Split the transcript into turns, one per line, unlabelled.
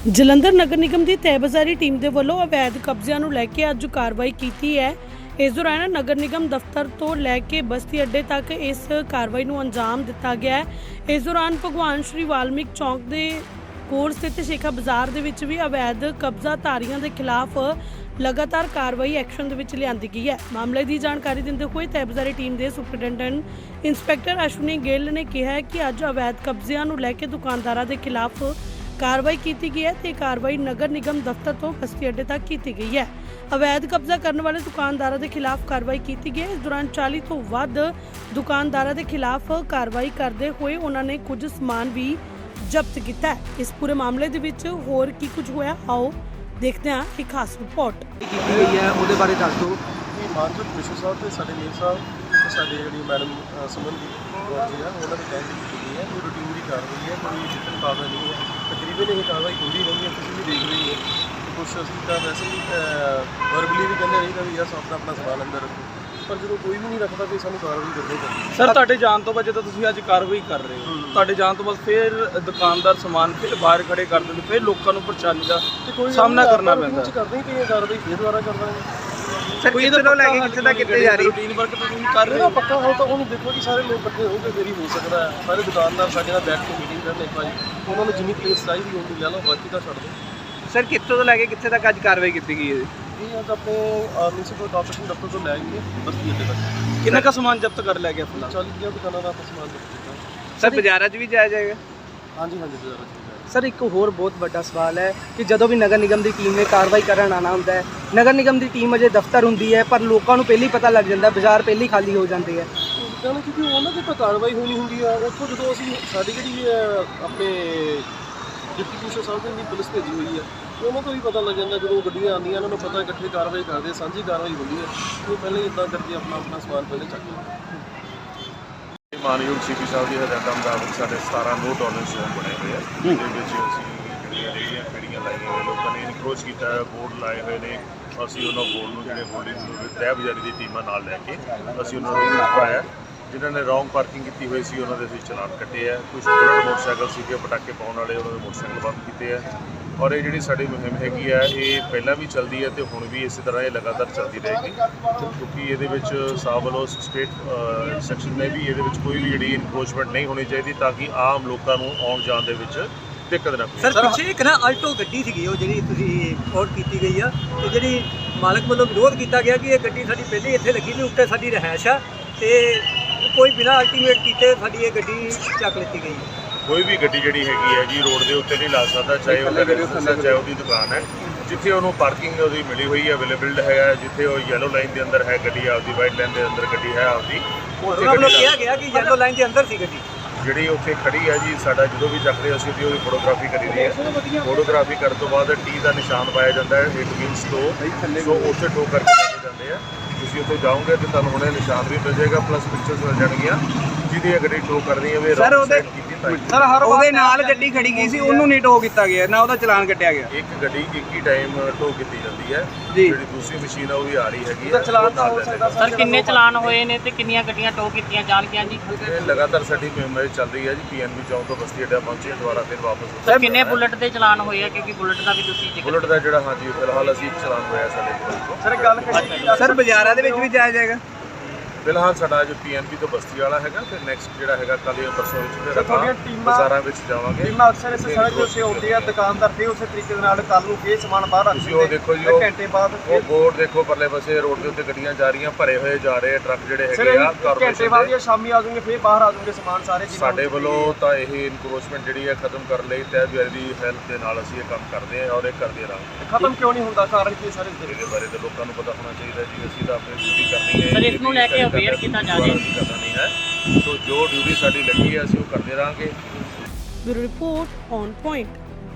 ਜਲੰਧਰ ਨਗਰ ਨਿਗਮ ਦੀ ਤਹਿਬਜ਼ਾਰੀ ਟੀਮ ਦੇ ਵੱਲੋਂ ਅਵੈਧ ਕਬਜ਼ਿਆਂ ਨੂੰ ਲੈ ਕੇ ਅੱਜ ਕਾਰਵਾਈ ਕੀਤੀ ਹੈ। ਇਸ ਦੌਰਾਨ ਨਗਰ ਨਿਗਮ ਦਫ਼ਤਰ ਤੋਂ ਲੈ ਕੇ ਬਸਤੀ ਅੱਡੇ ਤੱਕ ਇਸ ਕਾਰਵਾਈ ਨੂੰ ਅੰਜਾਮ ਦਿੱਤਾ ਗਿਆ ਹੈ। ਇਸ ਦੌਰਾਨ ਭਗਵਾਨ ਸ਼੍ਰੀ ਵਾਲਮੀਕ ਚੌਂਕ ਦੇ ਕੋਲ ਸਥਿਤ ਸ਼ੇਖਾ ਬਾਜ਼ਾਰ ਦੇ ਵਿੱਚ ਵੀ ਅਵੈਧ ਕਬਜ਼ਾਧਾਰੀਆਂ ਦੇ ਖਿਲਾਫ ਲਗਾਤਾਰ ਕਾਰਵਾਈ ਐਕਸ਼ਨ ਦੇ ਵਿੱਚ ਲਿਆਂਦੀ ਗਈ ਹੈ। ਮਾਮਲੇ ਦੀ ਜਾਣਕਾਰੀ ਦਿੰਦੇ ਹੋਏ ਤਹਿਬਜ਼ਾਰੀ ਟੀਮ ਦੇ ਸੁਪਰਡੈਂਟੈਂਟ ਇੰਸਪੈਕਟਰ ਅਸ਼ਵਨੀ ਗਿੱਲ ਨੇ ਕਿਹਾ ਹੈ ਕਿ ਅੱਜ ਅਵੈਧ ਕਬਜ਼ਿਆਂ ਨੂੰ ਲੈ ਕੇ ਦੁਕਾਨਦਾਰਾਂ ਦੇ ਖਿਲਾਫ ਕਾਰਵਾਈ ਕੀਤੀ ਗਈ ਹੈ ਤੇ ਕਾਰਵਾਈ ਨਗਰ ਨਿਗਮ ਦਫ਼ਤਰ ਤੋਂ ਬਸਤੀ ਅੱਡੇ ਤੱਕ ਕੀਤੀ ਗਈ ਹੈ। ਅਵੈਧ ਕਬਜ਼ਾ ਕਰਨ ਵਾਲੇ ਦੁਕਾਨਦਾਰਾਂ ਦੇ ਖਿਲਾਫ ਕਾਰਵਾਈ ਕੀਤੀ ਗਈ ਹੈ। ਇਸ ਦੌਰਾਨ 40 ਤੋਂ ਵੱਧ ਦੁਕਾਨਦਾਰਾਂ ਦੇ ਖਿਲਾਫ ਕਾਰਵਾਈ ਕਰਦੇ ਹੋਏ ਉਹਨਾਂ ਨੇ ਕੁਝ ਸਮਾਨ ਵੀ ਜ਼ਬਤ ਕੀਤਾ ਹੈ। ਇਸ ਪੂਰੇ ਮਾਮਲੇ ਦੇ ਵਿੱਚ ਹੋਰ ਕੀ ਕੁਝ ਹੋਇਆ, ਆਓ ਦੇਖਦੇ ਹਾਂ ਇੱਕ ਖਾਸ ਰਿਪੋਰਟ।
ਕੀਤੀ ਗਈ ਹੈ ਉਹਦੇ ਬਾਰੇ ਦੱਸ ਦਿਓ।
ਮਾਨਸੂਰ ਕਮਿਸ਼ਨਰ ਸਾਹਿਬ ਤੇ ਸਾਡੇ ਮੇਅਰ ਸਾਹਿਬ ਸਾਡੇ ਜਿਹੜੀ ਮੈਡਮ ਸੁਮਨਦੀਪ ਕੌਰ ਜੀ ਆ ਉਹਨਾਂ ਦੀ ਕਹਿਣ ਕੀਤੀ ਗਈ ਹੈ। ਕੋਈ ਰੂਟੀਨ ਦੀ ਕਾਰਵਾਈ ਹੈ, ਕੋਈ ਜਿੱਤਨ ਕਾਰਵਾਈ ਨਹੀਂ ਹੈ। ਤਕਰੀਬਨ ਇਹ ਕਾਰਵਾਈ ਹੁੰਦੀ ਰਹਿੰਦੀ ਹੈ, ਤੁਸੀਂ ਵੀ ਦੇਖ ਰਹੇ ਹੋ। ਕੁਛ ਅਸੀਂ ਤਾਂ ਵੈਸੇ ਵੀ ਵਰਬਲੀ ਵੀ ਕਹਿੰਦੇ ਰਹੀਦਾ ਵੀ ਯਾਰ ਸਭ ਦਾ ਆਪਣਾ ਸਵਾਲ ਅੰਦਰ ਰੱਖੋ, ਪਰ ਜਦੋਂ ਕੋਈ ਵੀ ਨਹੀਂ ਰੱਖਦਾ ਫਿਰ ਸਾਨੂੰ ਕਾਰਵਾਈ ਕਰਨੀ ਪੈਂਦੀ।
ਸਰ ਤੁਹਾਡੇ ਜਾਣ ਤੋਂ ਬਾਅਦ ਜਦੋਂ ਤੁਸੀਂ ਅੱਜ ਕਾਰਵਾਈ ਕਰ ਰਹੇ ਹੋ, ਤੁਹਾਡੇ ਜਾਣ ਤੋਂ ਬਾਅਦ ਫਿਰ ਦੁਕਾਨਦਾਰ ਸਮਾਨ ਫਿਰ ਬਾਹਰ ਖੜੇ ਕਰ ਦਿੰਦੇ, ਫਿਰ ਲੋਕਾਂ ਨੂੰ ਪਰੇਸ਼ਾਨੀ ਦਾ ਸਾਹਮਣਾ ਕਰਨਾ ਪੈਂਦਾ।
ਕਰਦੇ ਹੀ ਪਏ ਕਾਰਵਾਈ ਫਿਰ ਦੁਬਾਰਾ ਕਰਦਾਂਗੇ।
ਸਰ ਕਿੱਥੇ ਤੋਂ ਲੈ ਕੇ ਕਿੱਥੇ ਤੱਕ ਕਿੱਥੇ ਜਾ ਰਹੀ ਰੂਟੀਨ ਵਰਕ ਤੁਸੀਂ ਕਰ ਰਹੇ ਹੋ?
ਪੱਕਾ ਹੋ ਤਾਂ ਹੁਣ ਦੇਖੋ ਕਿ ਸਾਰੇ ਲੋਕ ਇਕੱਠੇ ਹੋ ਕੇ ਫਿਰ ਹੀ ਹੋ ਸਕਦਾ ਹੈ। ਸਾਰੇ ਦੁਕਾਨਦਾਰ ਸਾਡੇ ਨਾਲ ਬੈਠ ਕੇ ਮੀਟਿੰਗ ਕਰਨ ਇੱਕ ਵਾਰੀ ਉਹਨਾਂ ਨੂੰ ਜਿੰਨੀ ਪਲੇਸ ਚਾਹੀਦੀ ਹੁੰਦੀ ਲੈ ਲਓ, ਬਾਕੀ ਤਾਂ ਛੱਡ ਦਿਓ।
ਸਰ ਕਿੱਥੋਂ ਤੋਂ ਲੈ ਕੇ ਕਿੱਥੇ ਤੱਕ ਅੱਜ ਕਾਰਵਾਈ ਕੀਤੀ ਗਈ ਹੈ?
ਇਹ ਅੱਜ ਆਪਣੇ ਮਿਊਨਿਸਪਲ ਕਾਰਪੋਰੇਸ਼ਨ ਦਫ਼ਤਰ ਤੋਂ ਲੈ ਕੇ ਬਸਤੀ ਅੱਡੇ ਤੱਕ
ਕਿੰਨਾ ਕੁ ਸਮਾਨ ਜ਼ਬਤ ਕਰ ਲਿਆ ਗਿਆ ਫਿਲਹਾਲ?
40 ਦੁਕਾਨਾਂ ਦਾ ਆਪਾਂ ਸਮਾਨ ਜ਼ਬਤ ਕੀਤਾ।
ਸਰ ਬਾਜ਼ਾਰਾਂ 'ਚ ਵੀ ਜਾਇਆ ਜਾਏਗਾ?
ਹਾਂਜੀ ਬਾਜ਼ਾਰਾਂ 'ਚ
ਸਰ ਇੱਕ ਹੋਰ ਬਹੁਤ ਵੱਡਾ ਸਵਾਲ ਹੈ ਕਿ ਜਦੋਂ ਵੀ ਨਗਰ ਨਿਗਮ ਦੀ ਟੀਮ ਨੇ ਕਾਰਵਾਈ ਕਰਨ ਆਉਣਾ ਹੁੰਦਾ ਹੈ, ਨਗਰ ਨਿਗਮ ਦੀ ਟੀਮ ਅਜੇ ਦਫ਼ਤਰ ਹੁੰਦੀ ਹੈ ਪਰ ਲੋਕਾਂ ਨੂੰ ਪਹਿਲਾਂ ਹੀ ਪਤਾ ਲੱਗ ਜਾਂਦਾ, ਬਾਜ਼ਾਰ ਪਹਿਲਾਂ ਹੀ ਖਾਲੀ ਹੋ ਜਾਂਦੇ ਹੈ।
ਕਿਉਂਕਿ ਕਿਉਂਕਿ ਉਹਨਾਂ ਦੀ ਤਾਂ ਕਾਰਵਾਈ ਹੋਣੀ ਹੁੰਦੀ ਆ। ਉੱਥੋਂ ਜਦੋਂ ਅਸੀਂ ਸਾਡੀ ਜਿਹੜੀ ਆਪਣੇ ਡਿਪਟੀ ਕਮਿਸ਼ਨਰ ਸਾਹਿਬ ਦੀ ਪੁਲਿਸ ਭੇਜੀ ਹੋਈ ਆ, ਉਹਨਾਂ ਤੋਂ ਵੀ ਪਤਾ ਲੱਗ ਜਾਂਦਾ। ਜਦੋਂ ਗੱਡੀਆਂ ਆਉਂਦੀਆਂ ਉਹਨਾਂ ਨੂੰ ਪਤਾ ਇਕੱਠੇ ਕਾਰਵਾਈ ਕਰਦੇ, ਸਾਂਝੀ ਕਾਰਵਾਈ ਹੁੰਦੀ ਹੈ। ਉਹ ਪਹਿਲਾਂ ਹੀ ਇੱਦਾਂ ਕਰਕੇ ਆਪਣਾ ਸਮਾਨ ਪਹਿਲੇ ਚੱਕ ਲੈਂਦੇ।
ਮਾਨਯੋਗ ਸੀਪੀ ਸਾਹਿਬ ਦੀ ਹਦਾਇਤਾਂ ਮੁਤਾਬਕ ਸਾਡੇ 17 ਨੋ ਟੋਲਰੈਂਸ ਜ਼ੋਨ ਬਣੇ ਹੋਏ ਆ, ਜਿਹਦੇ ਵਿੱਚ ਅਸੀਂ ਜਿਹੜੀਆਂ ਰੇਹੜੀਆਂ ਫੇੜੀਆਂ ਲਾਈਆਂ ਹੋਈਆਂ, ਲੋਕਾਂ ਨੇ ਇਨਕਰੋਚ ਕੀਤਾ ਹੈ, ਬੋਰਡ ਲਾਏ ਹੋਏ ਨੇ। ਅਸੀਂ ਉਹਨਾਂ ਬੋਰਡ ਨੂੰ ਜਿਹੜੇ ਹੋਲਡਿੰਗ ਤਹਿਬਜ਼ਾਰੀ ਦੀ ਟੀਮਾਂ ਨਾਲ ਲੈ ਕੇ ਅਸੀਂ ਉਹਨਾਂ ਨੂੰ ਰੁਕਵਾਇਆ। ਜਿਨ੍ਹਾਂ ਨੇ ਰੌਂਗ ਪਾਰਕਿੰਗ ਕੀਤੀ ਹੋਈ ਸੀ ਉਹਨਾਂ ਦੇ ਅਸੀਂ ਚਲਾਨ ਕੱਟੇ ਆ। ਕੁਝ ਬੁਲਟ ਮੋਟਰਸਾਈਕਲ ਸੀਗੇ ਪਟਾਕੇ ਪਾਉਣ ਵਾਲੇ, ਉਹਨਾਂ ਦੇ ਮੋਟਰਸਾਈਕਲ ਬੰਦ ਕੀਤੇ ਆ। ਔਰ ਇਹ ਜਿਹੜੀ ਸਾਡੀ ਮੁਹਿੰਮ ਹੈਗੀ ਆ, ਇਹ ਪਹਿਲਾਂ ਵੀ ਚੱਲਦੀ ਹੈ ਤੇ ਹੁਣ ਵੀ ਇਸੇ ਤਰ੍ਹਾਂ ਇਹ ਲਗਾਤਾਰ ਚੱਲਦੀ ਰਹੇਗੀ, ਕਿਉਂਕਿ ਇਹਦੇ ਵਿੱਚ ਸਾਹਿਬ ਵੱਲੋਂ ਸਟੇਟ ਸੈਕਸ਼ਨ ਨੇ ਵੀ ਇਹਦੇ ਵਿੱਚ ਕੋਈ ਵੀ ਜਿਹੜੀ ਇਨਕਰੋਚਮੈਂਟ ਨਹੀਂ ਹੋਣੀ ਚਾਹੀਦੀ, ਤਾਂ ਕਿ ਆਮ ਲੋਕਾਂ ਨੂੰ ਆਉਣ ਜਾਣ ਦੇ ਵਿੱਚ ਦਿੱਕਤ ਨਾ ਪਵੇ।
ਸਰ ਪਿੱਛੇ ਇੱਕ ਨਾ ਆਲਟੋ ਗੱਡੀ ਸੀਗੀ, ਉਹ ਜਿਹੜੀ ਤੁਸੀਂ ਰਿਪੋਰਟ ਕੀਤੀ ਗਈ ਆ, ਤੇ ਜਿਹੜੀ ਮਾਲਕ ਵੱਲੋਂ ਵਿਰੋਧ ਕੀਤਾ ਗਿਆ ਕਿ ਇਹ ਗੱਡੀ ਸਾਡੀ ਪਹਿਲੇ ਇੱਥੇ ਲੱਗੀ ਨਹੀਂ, ਉੱਤੇ ਸਾਡੀ ਰਿਹਾਇਸ਼ ਆ, ਤੇ ਕੋਈ ਬਿਨਾਂ ਅਲਟੀਮੇਟ ਕੀਤੇ ਸਾਡੀ ਇਹ ਗੱਡੀ ਚੱਕ ਲਿੱਤੀ ਗਈ ਹੈ।
ਕੋਈ ਵੀ ਗੱਡੀ ਜਿਹੜੀ ਹੈਗੀ ਹੈ ਜੀ ਰੋਡ ਦੇ ਉੱਤੇ ਨਹੀਂ ਲਾ ਸਕਦਾ, ਚਾਹੇ ਉਹਦਾ ਬਿਜ਼ਨਸ ਹੈ, ਚਾਹੇ ਉਹਦੀ ਦੁਕਾਨ ਹੈ। ਜਿੱਥੇ ਉਹਨੂੰ ਪਾਰਕਿੰਗ ਉਹਦੀ ਮਿਲੀ ਹੋਈ ਹੈ, ਅਵੇਲੇਬਲ ਹੈਗਾ, ਜਿੱਥੇ ਉਹ ਯੈਲੋ ਲਾਈਨ ਦੇ ਅੰਦਰ ਹੈ ਗੱਡੀ ਆਪਦੀ, ਵਾਈਟ ਲਾਈਨ ਦੇ ਅੰਦਰ ਗੱਡੀ ਹੈ ਆਪਦੀ,
ਉਹਨਾਂ ਵੱਲੋਂ ਕਿਹਾ ਗਿਆ ਕਿ ਯੈਲੋ ਲਾਈਨ ਦੇ ਅੰਦਰ ਸੀ ਗੱਡੀ
ਜਿਹੜੀ ਉੱਥੇ ਖੜੀ ਹੈ ਜੀ। ਸਾਡਾ ਜਦੋਂ ਵੀ ਚੱਕਦੇ ਅਸੀਂ ਉਹਦੀ ਫੋਟੋਗ੍ਰਾਫੀ ਕਰੀਦੀ ਹੈ। ਫੋਟੋਗ੍ਰਾਫੀ ਕਰਨ ਤੋਂ ਬਾਅਦ ਟੀ ਦਾ ਨਿਸ਼ਾਨ ਪਾਇਆ ਜਾਂਦਾ ਹੈ, ਇਟ ਮੀਨਸ ਟੋ, ਸੋ ਉੱਥੇ ਟੋ ਕਰਕੇ ਲੈ ਕੇ ਜਾਂਦੇ ਆ। ਤੁਸੀਂ ਉੱਥੇ ਜਾਓਗੇ ਤੇ ਤੁਹਾਨੂੰ ਹੁਣੇ ਨਿਸ਼ਾਨ ਵੀ ਮਿਲ ਜਾਏਗਾ, ਪਲੱਸ ਪਿਕਚਰਸ ਮਿਲ ਜਾਣਗੀਆਂ ਜਿਹਦੀ ਇਹ ਗੱਡੀ ਟੋ ਕਰਨੀ ਹੈ।
ਸਰ ਉਹਦੇ ਨਾਲ ਗੱਡੀ ਖੜੀ ਗਈ ਸੀ, ਉਹਨੂੰ ਨਹੀਂ ਟੋ ਕੀਤਾ ਗਿਆ, ਨਾ ਉਹਦਾ ਚਲਾਨ ਕੱਟਿਆ ਗਿਆ।
ਇੱਕ ਗੱਡੀ ਇੱਕ ਹੀ ਟਾਈਮ ਟੋ ਕੀਤੀ ਜਾਂਦੀ ਹੈ,
ਜੀ।
ਜਿਹੜੀ ਦੂਸਰੀ ਮਸ਼ੀਨ ਆ ਉਹ ਵੀ ਆ ਰਹੀ ਹੈਗੀ ਹੈ।
ਚਲਾਨ ਤਾਂ ਹੋ ਸਕਦਾ।
ਸਰ ਕਿੰਨੇ ਚਲਾਨ ਹੋਏ ਨੇ ਤੇ ਕਿੰਨੀਆਂ ਗੱਡੀਆਂ ਟੋ ਕੀਤੀਆਂ ਜਾਣਗੀਆਂ ਜੀ?
ਇਹ ਲਗਾਤਾਰ ਸਾਡੀ ਮੁਹਿੰਮ ਚੱਲ ਰਹੀ ਹੈ ਜੀ। ਪੀਐਨਬੀ ਚੌਂਕ ਤੋਂ ਬਸਤੀ ਅੱਡਾ ਪਹੁੰਚੇ, ਦੁਬਾਰਾ ਫਿਰ ਵਾਪਸ।
ਸਰ ਕਿੰਨੇ ਬੁਲਟ ਦੇ ਚਲਾਨ ਹੋਏ ਆ? ਕਿਉਂਕਿ ਬੁਲਟ ਦਾ ਵੀ ਤੁਸੀਂ ਜ਼ਿਕਰ
ਬੁਲਟ ਦਾ ਜਿਹੜਾ ਹਾਂਜੀ ਫਿਲਹਾਲ ਅਸੀਂ ਇੱਕ ਚਲਾਨ ਹੋਇਆ ਸਾਡੇ ਕੋਲ।
ਸਰ ਗੱਲ
ਸਰ ਬਾਜ਼ਾਰਾਂ ਦੇ ਵਿੱਚ ਵੀ ਜਾਇਆ ਜਾਏਗਾ?
ਫਿਲਹਾਲ ਸਾਡਾ ਅੱਜ ਪੀਐਨਬੀ ਤੋਂ ਬਸਤੀ ਵਾਲਾ ਹੈਗਾ, ਫਿਰ ਨੈਕਸਟ ਜਿਹੜਾ ਹੈਗਾ ਕੱਲ੍ਹ ਜਾਂ ਪਰਸੋਂ ਵਿੱਚ ਫਿਰ
ਤੁਹਾਡੀਆਂ
ਆਪਾਂ
ਟੀਮਾਂ-
ਬਾਜ਼ਾਰਾਂ ਵਿੱਚ ਜਾਵਾਂਗੇ।
ਟੀਮਾਂ ਅਕਸਰ ਇਸ ਸੜਕ ਦੇ ਉੱਤੇ ਆਉਂਦੀ ਆ, ਦੁਕਾਨਦਾਰ ਫਿਰ ਉਸੇ ਤਰੀਕੇ ਦੇ ਨਾਲ ਕੱਲ ਨੂੰ ਫੇਰ ਸਮਾਨ ਬਾਹਰ ਰੱਖ
ਤੁਸੀਂ ਉਹ ਦੇਖੋ ਜੀ, ਉਹ
ਘੰਟੇ ਬਾਅਦ
ਉਹ ਬੋਰਡ ਦੇਖੋ ਪਰਲੇ ਪਾਸੇ ਰੋਡ ਦੇ ਉੱਤੇ ਗੱਡੀਆਂ ਜਾ ਰਹੀਆਂ, ਭਰੇ ਹੋਏ ਜਾ ਰਹੇ ਟਰੱਕ ਜਿਹੜੇ
ਸਰ
ਹੈਗੇ ਆ
ਘੰਟੇ ਬਾਅਦ
ਕਾਰਪੋਰੇਸ਼ਨ
ਜਾਂ ਸ਼ਾਮੀ ਆ ਜਾਊਂਗੇ, ਫੇਰ ਬਾਹਰ ਆ ਜਾਊਂਗੇ ਸਮਾਨ ਸਾਰੇ।
ਸਾਡੇ ਵੱਲੋਂ ਤਾਂ ਇਹ ਇਨਕਰੋਚਮੈਂਟ ਜਿਹੜੀ ਹੈ ਖਤਮ ਕਰਨ ਲਈ ਤਹਿਬਜ਼ਾਰੀ ਦੀ ਹੈਲਪ ਦੇ ਨਾਲ ਅਸੀਂ ਇਹ ਕੰਮ ਕਰਦੇ ਹਾਂ ਔਰ ਇਹ ਕਰਦੇ ਰਹਾਂਗੇ।
ਖਤਮ ਕਿਉਂ ਨਹੀਂ ਹੁੰਦਾ? ਕਾਰਨ ਕੀ ਸਾਰੇ
ਇਹਦੇ ਬਾਰੇ ਤਾਂ ਲੋਕਾਂ ਨੂੰ ਪਤਾ ਹੋਣਾ ਚਾਹੀਦਾ ਜੀ। ਅਸੀਂ ਤਾਂ ਆਪਣੀ ਡਿਊਟੀ ਕਰਨੀ ਹੈ।
ਸਰ ਇਸ ਨੂੰ ਲੈ ਕੇ ਅਵੇਅਰ ਕੀਤਾ ਜਾ ਰਿਹਾ
ਕਰਨਾ ਨਹੀਂ ਹੈ, ਸੋ ਜੋ ਡਿਊਟੀ ਸਾਡੀ ਲੱਗੀ ਹੈ ਅਸੀਂ ਉਹ ਕਰਦੇ ਰਹਾਂਗੇ।
Bureau report on point.